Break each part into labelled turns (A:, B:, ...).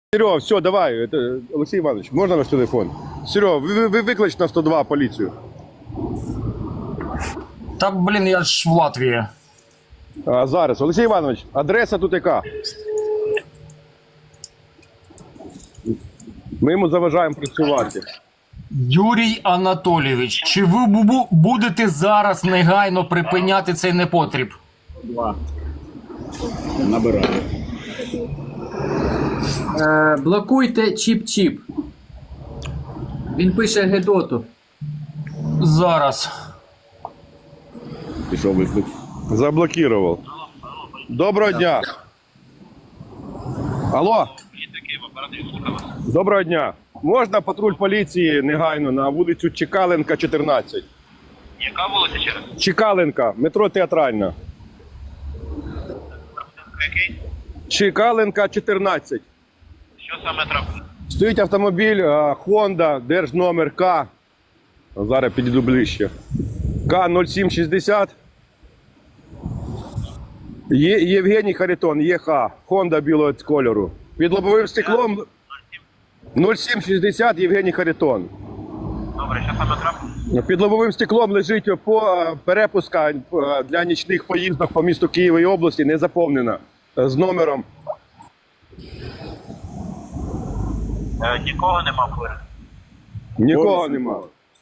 A: Серега, все, давай. Это, Олексій Іванович, можна ваш телефон? Серега, ви виклич на 102 поліцію.
B: Та, блін, я ж в Латвії.
A: А зараз, Олексій Іванович, адреса тут яка? Ми йому заважаємо працювати.
B: Юрій Анатолійович, чи ви будете зараз негайно припиняти цей непотріб?
C: Набираю.
D: Блокуйте чіп-чіп. Він пише Гедоту.
B: Зараз.
C: Пішов виклик.
A: Заблокував. Доброго дня. Алло. Доброго дня. Можна патруль поліції негайно на вулицю Чекаленка, 14?
E: Яка вулиця ще раз?
A: Чекаленка, метро Театральна.
E: Який?
A: Чекаленка, 14.
E: Що саме трапило?
A: Стоїть автомобіль Honda, держномер К. Зараз підійду ближче. К0760. Євгеній Харитон, ЄХ. Honda білого кольору. Під лобовим стеклом 0760 Євгеній Харитон.
E: Добре, що саме трапило?
A: Під лобовим стеклом лежить перепустка для нічних поїздок по місту Києва і області, не заповнена. З номером.
E: Нікого нема поряд.
A: Нікого нема.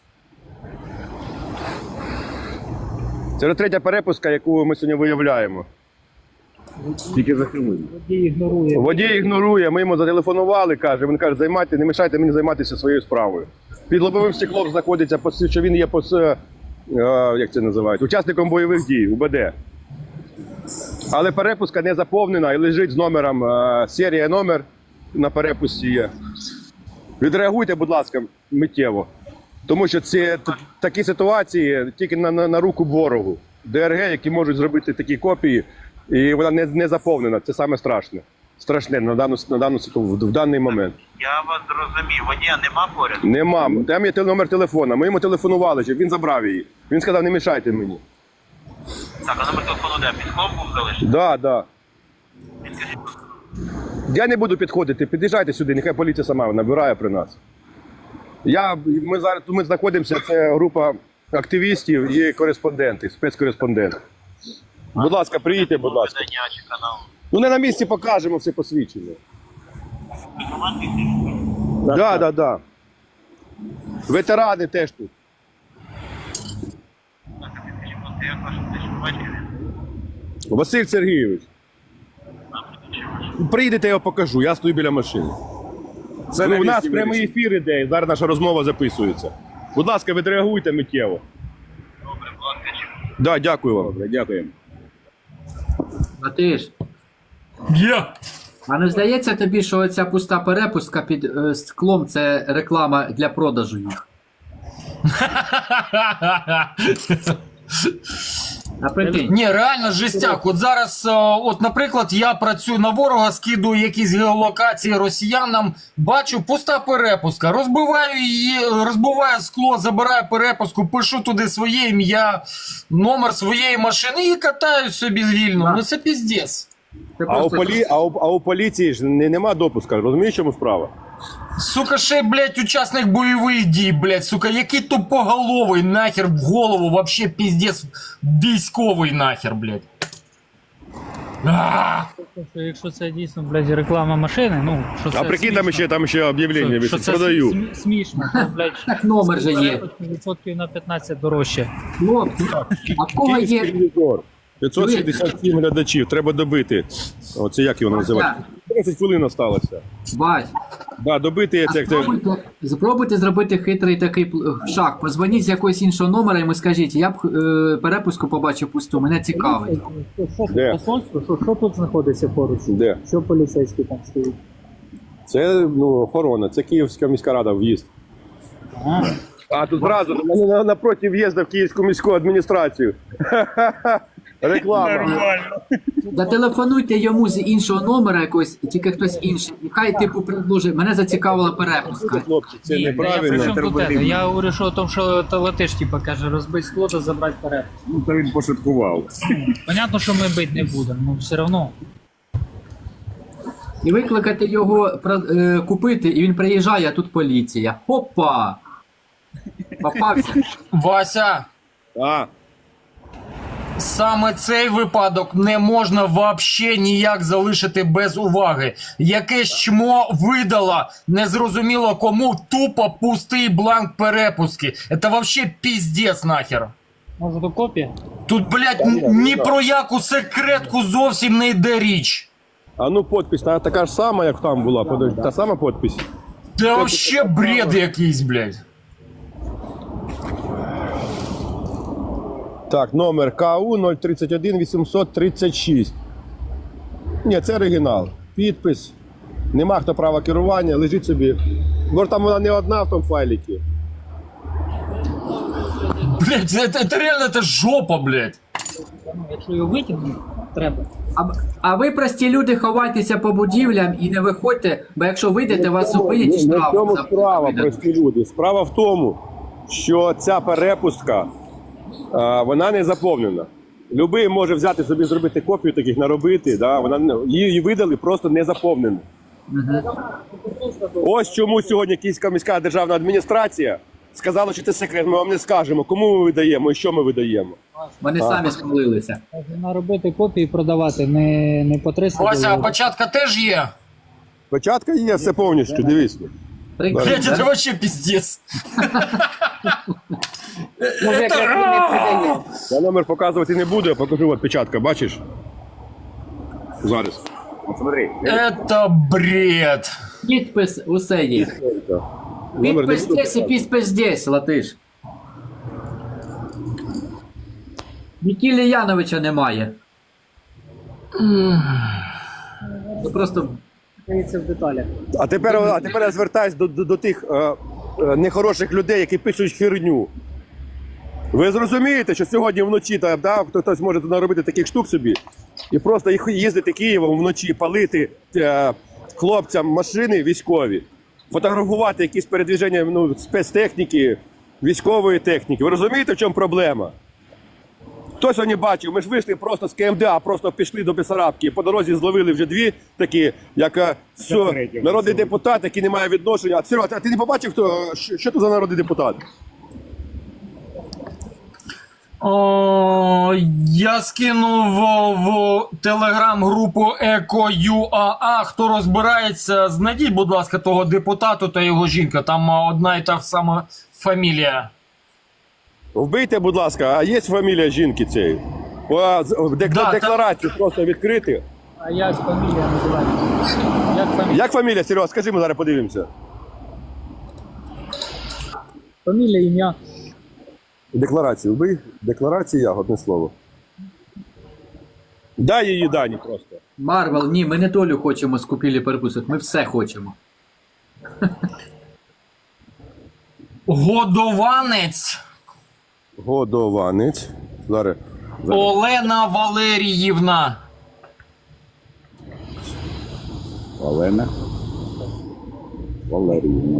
A: Це третя перепустка, яку ми сьогодні виявляємо.
C: Тільки зафільмуй.
A: Водій ігнорує, ми йому зателефонували, каже, він каже, не мішайте мені займатися своєю справою. Під лобовим стеклом знаходиться, що він є як це називають, учасником бойових дій, УБД. Але перепустка не заповнена і лежить з номером, серія номер на перепусті є. Відреагуйте, будь ласка, миттєво. Тому що це такі ситуації тільки на руку ворогу. ДРГ, які можуть зробити такі копії, і вона не заповнена. Це саме страшне. Страшне в даний момент.
E: Я вас зрозумів. Водія нема поряд?
A: Нема. Там є номер телефона. Ми йому телефонували, щоб він забрав її. Він сказав, не мішайте мені.
E: Так, а номер телефону де? Під склом був залишений?
A: Да, да.
E: Підкажіть.
A: Я не буду підходити, під'їжджайте сюди, нехай поліція сама набирає при нас. Ми зараз тут знаходимося, це група активістів і кореспонденти, спецкореспонденти. Будь ласка, приїдьте, будь ласка.
E: Видання чи канал?
A: Ну не на місці покажемо все посвідчення. Да. Ветерани теж тут.
E: Так, а підкажіть, будь ласка, як ваше фізичне батькові?
A: Василь Сергійович. Приїдете, я його покажу, я стою біля машини.
C: Це
A: У нас прямий ефір іде, і зараз наша розмова записується. Будь ласка, відреагуйте миттєво.
E: Добре, будь ласка, чи
A: Да, дякую вам.
C: Добре, дякуємо.
D: А ти ж.
B: Є!
D: А не здається тобі, що оця пуста перепустка під склом це реклама для продажу їх? А прикинь.
B: Ні, реально жестяк. От зараз, от, наприклад, я працюю на ворога, скидую якісь геолокації росіянам, бачу пуста перепустка, розбиваю її, розбиваю скло, забираю перепустку, пишу туди своє ім'я, номер своєї машини і катаю собі вільно. Ну це піздець.
D: Це
A: А
D: просто...
A: у поліції ж нема допуска, розумієш, чому справа?
B: Сука, ще, блядь, учасник бойових дій, блядь, сука, який тупоголовий нахер в голову, вообще піздець військовий нахер, блядь.
F: Якщо це дійсно, блядь, реклама машини, ну, що це
A: А прикинь,
F: смішно,
A: там ще об'явлення,
F: що це
A: продаю.
F: смішно, то, блядь,
D: Так номер же є.
F: відсотків на 15 дорожче.
D: Хлопці, а в кого
A: Київський
D: є...
A: ревізор. 567 глядачів, треба добити. Оце як його називати? 30 хвилин осталося.
D: Бать,
A: Да, добити
D: а
A: це.
D: спробуйте зробити хитрий такий шаг. Позвоніть з якогось іншого номера і йому скажіть, я б перепуску побачив пусту, мене цікавить.
A: Де?
F: Посольство, що тут знаходиться поруч?
A: Де?
F: Що поліцейські там стоїть?
A: Це охорона, це Київська міська рада, в'їзд. А тут зразу напроти в'їзду в Київську міську адміністрацію. Реклама.
D: Зателефонуйте йому з іншого номера якогось, тільки хтось інший. І хай типу предложить, мене зацікавила перепустка.
A: Хлопці, це
F: Ні, я при
A: неправильно.
F: чому тут це? Я говорю, що о тому, що то латиш, типа, каже, розбить скло та забрати перепуск.
C: Ну, то він пошуткував.
F: Понятно, що ми бити не будемо, але все одно.
D: І викликати його купити, і він приїжджає, а тут поліція. Опа! Попався.
B: Вася,
A: А,
B: саме цей випадок не можна вообще ніяк залишити без уваги. Якесь чмо видало незрозуміло кому тупо пустий бланк перепустки. Это вообще пиздец нахер.
F: Може, то копія?
B: Тут, блядь, ні про яку секретку зовсім не йде річ.
A: а ну подпись, така ж сама, як там була. Подожди, та сама подпись.
B: Це вообще бред якийсь, блядь.
A: Так, номер КУ 031 836. Ні, це оригінал. Підпис. Нема хто права керування, лежить собі. Може там вона не одна в тому файліки.
B: Блядь, це реально це жопа, блядь.
F: Ну, якщо його витягнути, треба.
D: А ви, прості люди, ховайтеся по будівлям і не виходьте, бо якщо вийдете, вас зупинять і
A: Не в
D: штраф.
A: цьому
D: за-
A: справа,
D: видадуть.
A: прості люди. Справа в тому, що ця перепустка, вона не заповнена. Любий може взяти собі, зробити копію таких, наробити, да? Її видали просто не заповнену. Ось чому сьогодні Київська міська державна адміністрація сказала, що це секрет, ми вам не скажемо, кому ми видаємо і що ми видаємо.
D: Вони самі спалилися.
F: Можна робити копії і продавати, не по 300
B: Вася, а
F: доларів.
B: початка теж є?
A: Початка є все повністю, дивіться.
D: Прикинь,
B: Блядь,
D: да?
B: це вообще пиздец.
G: Може, якраз і не продає.
A: Я номер показувати не буду, я покажу, от печатка, бачиш? Зараз.
C: От смотри.
B: Это бред.
D: Підпис усе є.
A: Номер не
D: Підпис
A: буду
D: здесь і підпис здесь, латиш. Нікілі Яновича немає. Це просто
F: Це в деталях.
A: А тепер я звертаюсь до тих нехороших людей, які пишуть херню. Ви зрозумієте, що сьогодні вночі хтось може наробити таких штук собі і просто їздити Києвом вночі, палити хлопцям машини військові, фотографувати якісь передвіження спецтехніки, військової техніки. Ви розумієте, в чому проблема? Хто сьогодні бачив, ми ж вийшли просто з КМДА, просто пішли до Бесарабки, по дорозі зловили вже дві такі, як народний депутат, який не має відношення. Серега, а ти не побачив, що це за народний депутат?
B: Я скинув в телеграм-групу ЕКО.ЮАА. Хто розбирається, знайдіть, будь ласка, того депутату та його жінка. Там одна і та сама фамілія.
A: Вбийте, будь ласка, а є фамілія жінки цієї? Декларацію просто відкрити.
F: А як фамілія називається? Як фамілія?
A: Як фамілія, Серега, скажи, ми зараз подивимося.
F: Фамілія, ім'я.
A: Декларацію вбий. Декларація, одне слово. Дай її дані просто.
D: Марвел, ні, ми не долю хочемо з купівлі перепусток, ми все хочемо.
B: Годованець
A: Годованець. Зараз.
B: Олена Валеріївна.
C: Олена Валеріївна.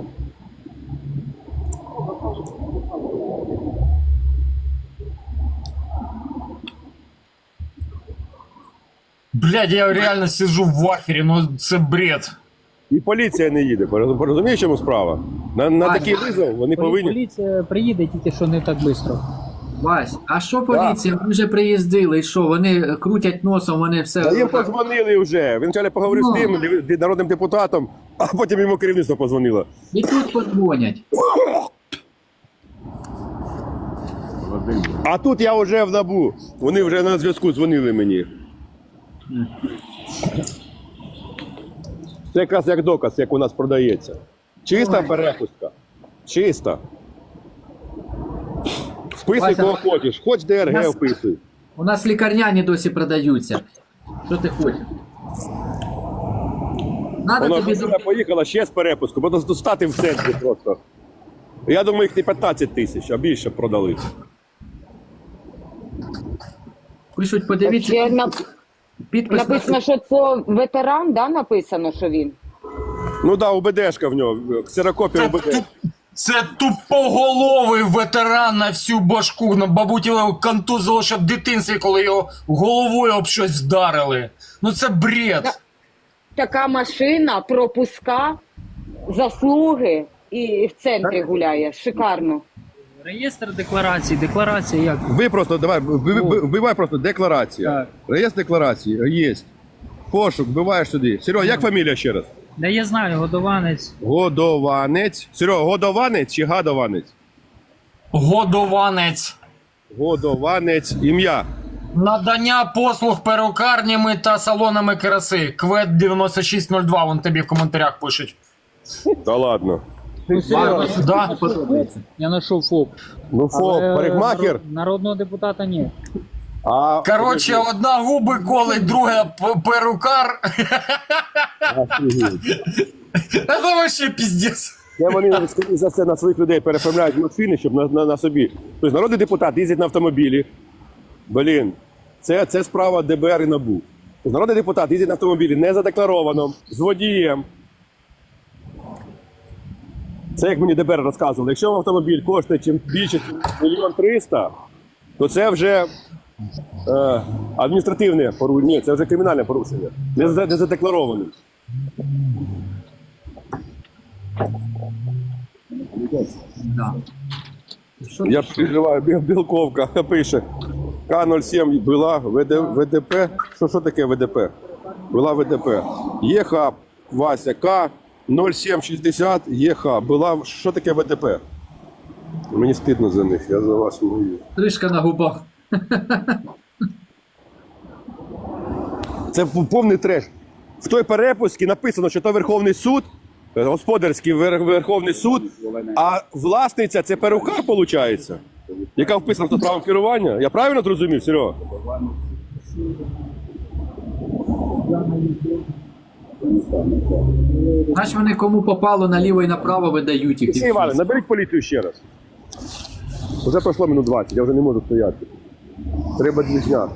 B: Блядь, я реально сижу в ахері, ну це бред.
A: І поліція не їде. Розумієш, чому справа? На такий визов вони повинні.
F: Поліція приїде, тільки що не так швидко.
D: Вась, а що поліція? Ми вже приїздили, і що? Вони крутять носом, вони все.
A: Та їм подзвонили вже. Він вчора поговорив з тим народним депутатом, а потім йому керівництво подзвонило.
D: І тут подзвонять.
A: А тут я вже в НАБУ. Вони вже на зв'язку дзвонили мені. Це якраз як доказ, як у нас продається. Чиста перепустка. Чиста. Вписуй,
D: Вася,
A: кого хочеш. Хоч ДРГ
D: нас-
A: вписуй.
D: У нас лікарняні досі продаються. Що ти хочеш? Надо
A: Вона
D: тобі
A: вже поїхала ще з перепуску, бо достати в центрі просто. Я думаю, їх не 15 тисяч, а більше продали.
D: пишуть, подивіться.
G: Ще
D: Підпис
G: написано, що це ветеран, да, написано, що він.
A: Ну так, УБДшка в нього, ксерокопія УБД.
B: Це тупоголовий ветеран на всю башку. Бабуть його контузило ще в дитинстві, коли його головою об щось вдарили. Ну це бред.
G: така машина, пропуска, заслуги і в центрі гуляє. Шикарно.
F: Реєстр декларацій, декларація як?
A: Ви просто, давай, вбивай просто декларація.
F: Так.
A: Реєстр декларації, є. Пошук, вбиваєш сюди. Серега, як фамілія ще раз?
F: Да я знаю, годованець.
A: Годованець. Серега, годованець чи гадованець?
B: Годованець.
A: Годованець, ім'я.
B: Надання послуг перукарнями та салонами краси. Квет 9602, вон тобі в коментарях пишуть.
A: Та ладно.
B: Да.
F: Я знайшов ФОП.
A: Ну фо, парикмахер.
F: Народного депутата ні.
A: А
B: Коротше, одна губи колить, друга перукар. Це вообще піздець.
A: Це вони, скоріше за все, на своїх людей переформляють машини, щоб на собі. Тобто народний депутат їздить на автомобілі. Блін, це справа ДБР і НАБУ. Тобто народний депутат їздить на автомобілі не задекларовано, з водієм. Це як мені ДБР розказували. Якщо автомобіль коштує чим більше, ніж 1 300 000, то це вже адміністративне порушення. Ні, це вже кримінальне порушення. Не задеклароване.
D: Да.
A: Я переживаю, Білковка пише. К-07 була ВДП. Що таке ВДП? Була ВДП. ЄХ, Вася, К-0760, ЄХ. Була, що таке ВДП? Мені стидно за них, я за вас мовлю.
D: Тришка на губах.
A: Це повний треш. В той перепусці написано, що то Верховний суд, господарський Верховний суд, а власниця це перукар, виходить, яка вписана в правом керування. Я правильно зрозумів, Серега?
D: Значить вони кому попало наліво і направо видають їх.
A: Олексій Іванович, наберіть поліцію ще раз. Вже пройшло минут 20, я вже не можу стояти. Треба движняк.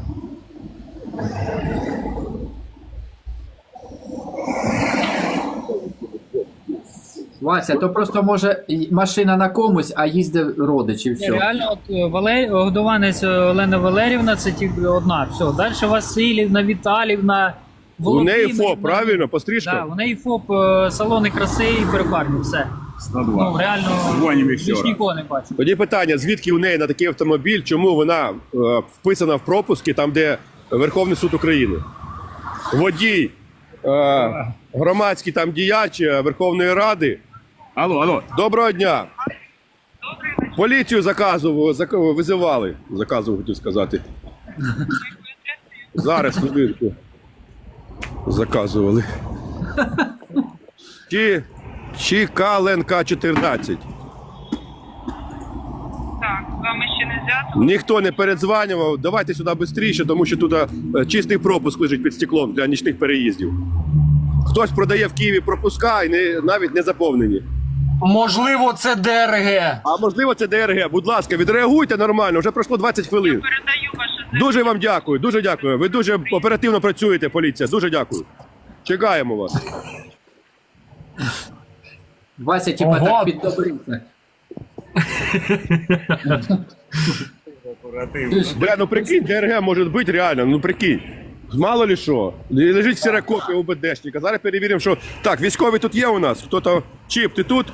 D: Вася, то просто може машина на комусь, а їздить родич і все.
F: Реально, от годованець Олена Валерівна, це тільки одна. Все. Далі Василівна, Віталівна,
A: У неї
F: Володимирівна.
A: ФОП, правильно? Пострижка?
F: Да, у неї ФОП, салони краси і перукарні, все.
C: 102.
F: Ну, реально,
C: Дзвонимо ще
F: більш
C: раз.
F: нікого не бачу.
A: Тоді питання, звідки у неї на такий автомобіль, чому вона вписана в пропуски, там де Верховний суд України? Водій, громадський там діяч Верховної Ради.
C: Алло.
A: Доброго дня. Поліцію визивали. Заказував, хотів сказати. Зараз, хвилинку. Заказували. Чікаленка 14.
H: Так, з вами ще не зв'язано.
A: Ніхто не передзванював. Давайте сюди швидше, тому що тут чистий пропуск лежить під стеклом для нічних переїздів. Хтось продає в Києві пропуска і навіть не заповнені.
B: Можливо, це ДРГ.
A: А можливо, це ДРГ. Будь ласка, відреагуйте нормально, вже пройшло 20 хвилин.
H: Передаю ваше звернення.
A: Дуже вам дякую, дуже дякую. Ви дуже оперативно працюєте, поліція. Дуже дякую. Чекаємо вас.
D: Вася, типа,
B: Ого.
D: так піддобрився.
A: Бля, ну прикинь, ДРГ може бути реально, ну прикинь. Мало ли що. Лежить ксерокопія УБДшника. Зараз перевіримо, що... Так, військові тут є у нас? Хто-то... Чіп, ти тут?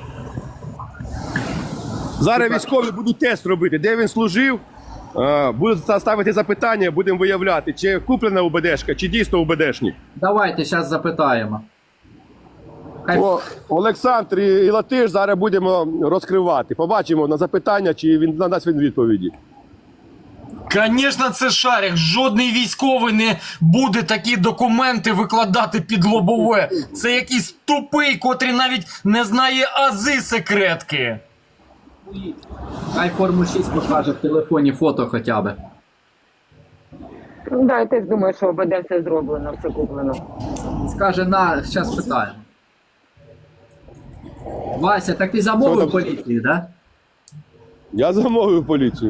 A: Зараз військові будуть тест робити, де він служив. Будуть ставити запитання, будемо виявляти, чи куплена УБДшка, чи дійсно УБДшник.
D: Давайте, зараз запитаємо. Хай...
A: Олександр і Латиш зараз будемо розкривати. Побачимо на запитання, чи він надасть він відповіді.
B: Звісно, це шарик. Жодний військовий не буде такі документи викладати під лобове. Це якийсь тупий, котрий навіть не знає ази секретки.
D: Хай форму 6 покаже в телефоні фото хоча б.
G: Да, я теж думаю, що ОБД все зроблено, все куплено.
D: Скаже, зараз питаємо. Вася, так ти
A: Що
D: замовив
A: там?
D: поліцію, да?
A: Я замовив поліцію.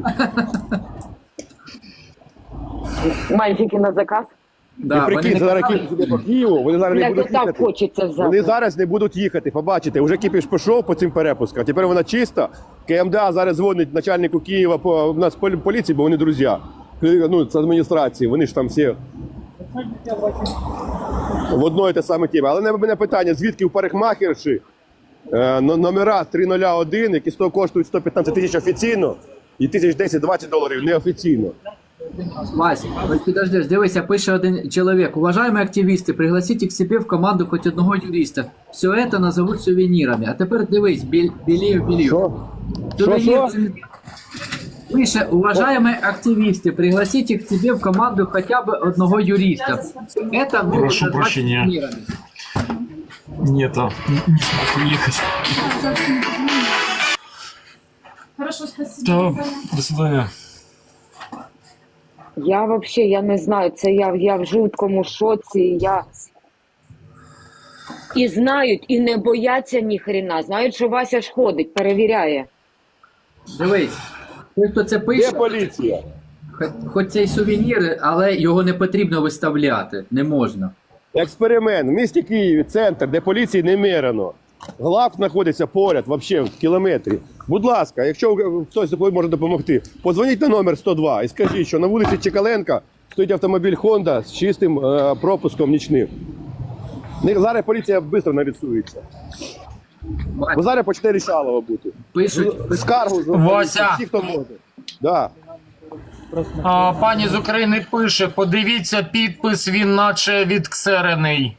G: Мальчики на заказ.
D: Да,
A: І прикинь,
D: вони
A: це
D: не
A: зараз
D: казали,
A: кіпіш іде по Києву, вони зараз не
G: Бля,
A: будуть
G: так
A: їхати.
G: хочеться взяти.
A: Вони зараз не будуть їхати, побачите. Уже кіпіш пішов по цим перепускам, тепер вона чиста. КМДА зараз дзвонить начальнику Києва у нас поліції, бо вони друзі. Ну, з адміністрації, вони ж там всі В одної те саме теми. Але в мене питання, звідки у парикмахерші номера 301, які коштують 115 тисяч офіційно, і $1010-20 неофіційно.
D: Вась, ось підождеш, дивися, пише один чоловік. Уважаемые активісти, пригласите к себе в команду хоть одного юриста. Все это назовут сувенирами. А тепер дивись, Білів.
A: Що?
D: Сувенир. Пише, уважаемые активисты, пригласите к себе в команду хотя бы одного юриста. Это могут
B: Прошу
D: назвать
B: прощения.
D: сувенирами.
B: Нет, не смог уехать.
I: Хорошо, спасибо.
B: Да, до свидания.
G: Я вообще, я не знаю, це я в жуткому шоці, І знають, і не бояться ніхрена. Знають, що Вася ж ходить, перевіряє.
D: Дивись, той, хто це пише,
A: Де поліція?
D: хоч це й сувеніри, але його не потрібно виставляти, не можна.
A: Експеримент. В місті Києві, центр, де поліції немерено. Глав знаходиться поряд, взагалі, в кілометрі. Будь ласка, якщо хтось може допомогти, подзвоніть на номер 102 і скажіть, що на вулиці Чекаленка стоїть автомобіль Honda з чистим пропуском нічним. Зараз поліція швидко нарисується. Бо зараз почне рішалово бути.
D: Пишуть,
A: Скаргу
B: Вася!
A: всі, хто може. Да.
B: Пані з України пише, подивіться підпис, він наче відксерений.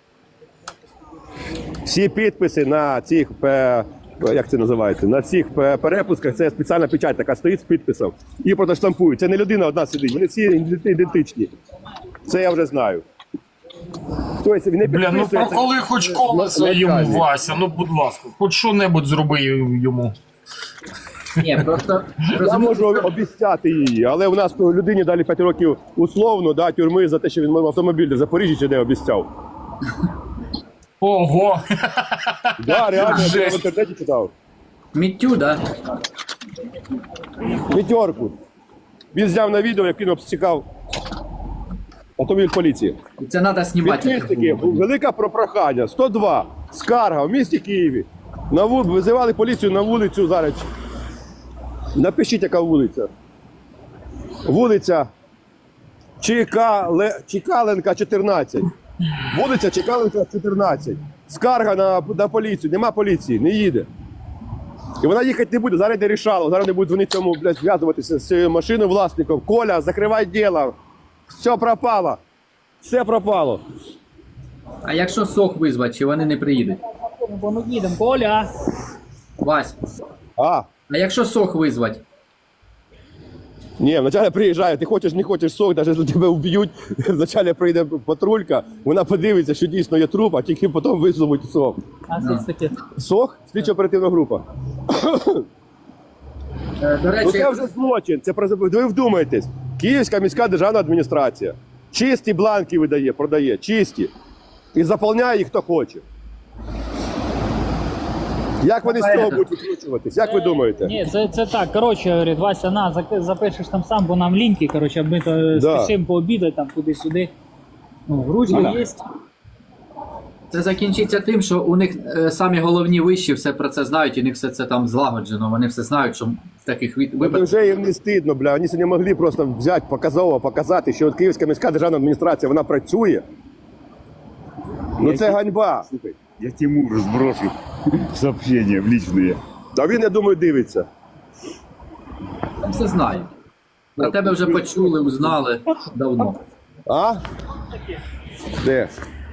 A: Всі підписи на цих, як це називається, на цих перепусках, це спеціальна печать, така стоїть з підписом. І просто штампують. Це не людина одна сидить, вони всі ідентичні. Це я вже знаю. Тобто, не
B: Бля, ну
A: підписується-
B: проколи хоч колесо йому, Вася, ну будь ласка, хоч що-небудь зроби йому.
D: ні, просто
A: Я можу обіцяти її, але у нас людині дали 5 років условно, да, тюрми за те, що він автомобіль в Запоріжжі чи де обіцяв.
B: Ого!
A: Да, реально, я в
B: Жесть.
A: інтернеті читав.
D: Міттю, да?
A: П'ятерку. Він зняв на відео, як він обстікав автомобіль поліції.
D: Це треба знімати.
A: Підписники, велике прохання, 102, скарга в місті Києві. Визивали поліцію на вулицю зараз. Напишіть, яка вулиця. Вулиця Чекаленка, 14. Вулиця Чекаленка, 14. Скарга на поліцію, нема поліції, не їде. І вона їхати не буде, зараз не рішало, зараз не буде вони цьому, блядь, зв'язуватися з цією машиною власником. Коля, закривай діло. Все пропало. Все пропало.
D: А якщо сох визвати, чи вони не приїдуть?
F: Бо ми їдемо, Коля.
D: Вась,
A: А,
D: а якщо сох визвати?
A: ні, вначале приїжджає, ти хочеш, не хочеш сок, навіть якщо тебе вб'ють, вначале прийде патрулька, вона подивиться, що дійсно є труп, а тільки потім визовуть сок.
F: А що це таке?
A: Сок? Слідчо-оперативна група.
D: До
A: Ну
D: речі,
A: це вже злочин, це ви вдумайтесь. Київська міська державна адміністрація. Чисті бланки видає, продає, чисті. І заповняє їх хто хоче. Як вони з цього будуть викручуватись? Як ви думаєте?
F: Ні, це так. Коротше, говорить, Вася, на, запишеш там сам, бо нам ліньки, коротше, ми то
A: Да.
F: спішимо пообідати там туди-сюди. Ну, ручка є.
D: це закінчиться тим, що у них самі головні вищі все про це знають, у них все це там злагоджено, вони все знають, що в таких
A: Це
D: випадках.
A: вже їм не стидно, бля. Вони сьогодні могли просто взяти, показати, що от Київська міська державна адміністрація, вона працює. Ну це ганьба.
C: Слухай, я Тимуру сброшу сообщения в личные.
A: А він, я думаю, дивиться.
D: Там все знають. Про тебе вже почули, узнали давно.
A: А? Де?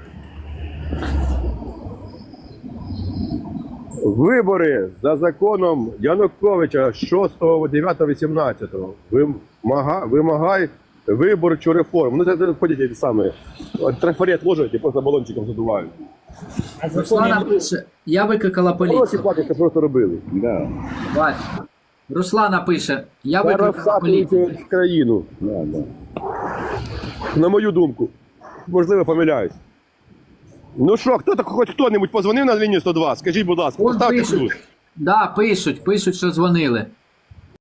A: Вибори за законом Януковича 6, 9, 18. Вимагай виборчу реформу. Ну це ходять ті самі. Трафарет ложать і просто балончиком задувають.
D: Руслана пише, я викликала
A: Гроші
D: поліцію.
A: платять, це просто робили.
C: Да,
D: Вась. Руслана пише, я
A: Зараз
D: викликала поліцію.
A: всапують в країну,
C: да, да.
A: на мою думку. Можливо, помиляюсь. Ну що, хоч хто-небудь позвонив на лінію 102? Скажіть, будь ласка,
D: Он
A: поставте плюс.
D: пишуть, да, пишуть, що дзвонили.